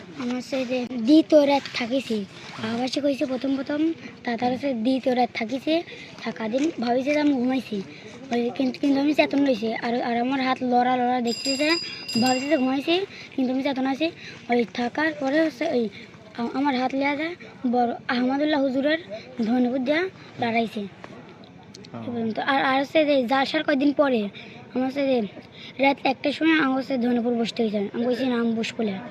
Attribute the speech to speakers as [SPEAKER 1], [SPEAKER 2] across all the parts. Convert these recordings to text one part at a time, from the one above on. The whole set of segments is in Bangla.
[SPEAKER 1] আমার হচ্ছে যে দ্বিতীয় রাত থাকিছি আবাসে কইছে প্রথম তারপর হচ্ছে দ্বিতীয় রাত থাকিছে থাকা দিন ভাবিছে যে আমি ঘুমাইছি ওই কিন্তু কিন্তু আমি চেতন রয়েছি আর আমার হাত লড়া দেখতেছে ভাবছি যে ঘুমাইছি কিন্তু আমি চেতন আছি ওই থাকার পরে হচ্ছে ওই আমার হাত লিয়া যায় বড় আহমদুল্লাহ হুজুরের ধন্যবাদ দেওয়া দাঁড়াইছে আর হচ্ছে যে জালসার কয়েকদিন পরে আমার হচ্ছে যে রাত 1টার সময় আমার হচ্ছে ধনেপুর বসতে হয়েছে আমি বলছি না আমি বসবো না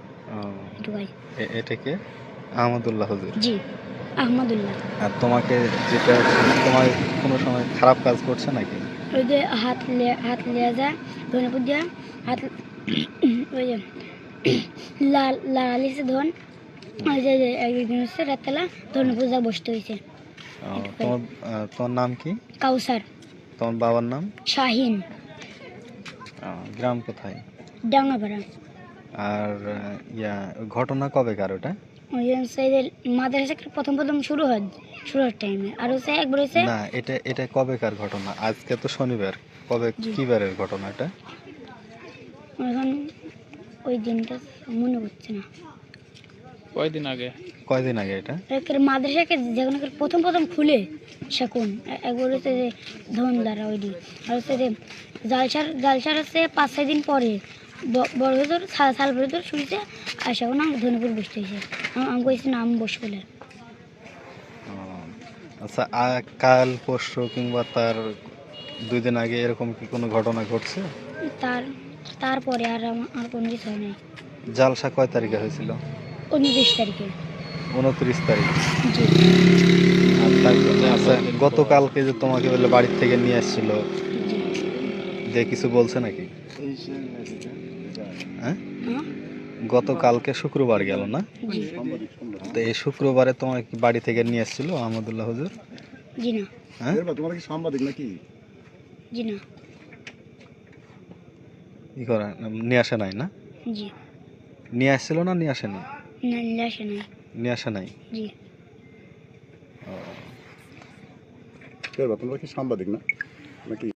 [SPEAKER 2] এটা কে? আহমদুল্লাহ হুজুর।
[SPEAKER 1] জি আহমদুল্লাহ।
[SPEAKER 2] আর তোমাকে যেটা তোমার কোনো সময় খারাপ কাজ করছে নাকি?
[SPEAKER 1] ওই যে হাত লিয়া যায় ধনেপুর দেওয়া হাত ওই যে লালিছে ধন ওই যে একদিন হচ্ছে রাতবেলা ধনেপুর যা বসতে হয়েছে।
[SPEAKER 2] তোমার তোমার নাম কি?
[SPEAKER 1] কাউসার।
[SPEAKER 2] তোমার বাবার নাম?
[SPEAKER 1] শাহিন।
[SPEAKER 2] গ্রাম কোথায়?
[SPEAKER 1] ডাঙ্গাপাড়া।
[SPEAKER 2] আর ঘটনা কবেকার ওটা?
[SPEAKER 1] ওই যে মাদ্রাসা প্রথম শুরুর টাইমে আর হচ্ছে একবার হচ্ছে
[SPEAKER 2] না, এটা কবেকার ঘটনা? আজকে তো শনিবার, কবে কি বারের ঘটনা এটা?
[SPEAKER 1] এখন ওই দিনটা মনে হচ্ছে না।
[SPEAKER 2] কয়দিন আগে এটা?
[SPEAKER 1] মাদ্রাসাকে যখন প্রথম খুলে সেখন একবার হচ্ছে যে ধনদারা ওই দিন আর হচ্ছে যে জালসার হচ্ছে 5-6 দিন পরে বড় ভেতর সাল ভেতর শুনছে আর সেখন আমি ধনেপুর বসতে হয়েছে আমি কইছি না আমি বসবো না।
[SPEAKER 2] আচ্ছা, কাল পরশু কিংবা তার 2 দিন আগে এরকম কি কোনো ঘটনা ঘটছে?
[SPEAKER 1] তারপরে আর আমার কোনো কিছু হয় নাই।
[SPEAKER 2] জালসা কয় তারিখে হয়েছিল?
[SPEAKER 1] 29 তারিখে।
[SPEAKER 2] 29 তারিখ।
[SPEAKER 1] জি।
[SPEAKER 2] আচ্ছা, গতকালকে যে তোমাকে বলে বাড়ির থেকে নিয়ে আসছিল, যে কিছু বলছে নাকি? হ্যাঁ, গতকালকে শুক্রবার গেল না? তো এই শুক্রবারে তোমাকে কি বাড়ি থেকে নিয়ে আসছিল আহমদুল্লাহ হুজুর?
[SPEAKER 1] জি না।
[SPEAKER 2] হ্যাঁ,
[SPEAKER 3] তোমার কি সাংবাদিক নাকি?
[SPEAKER 1] জি না।
[SPEAKER 2] কি করে নিয়ে আসে নাই? না,
[SPEAKER 1] জি।
[SPEAKER 2] নিয়ে আসছিল না নিয়ে আসেনি?
[SPEAKER 1] না, নিয়ে আসে নাই।
[SPEAKER 2] নিয়ে আসে নাই?
[SPEAKER 1] জি।
[SPEAKER 3] তোমরা কি সাংবাদিক না নাকি?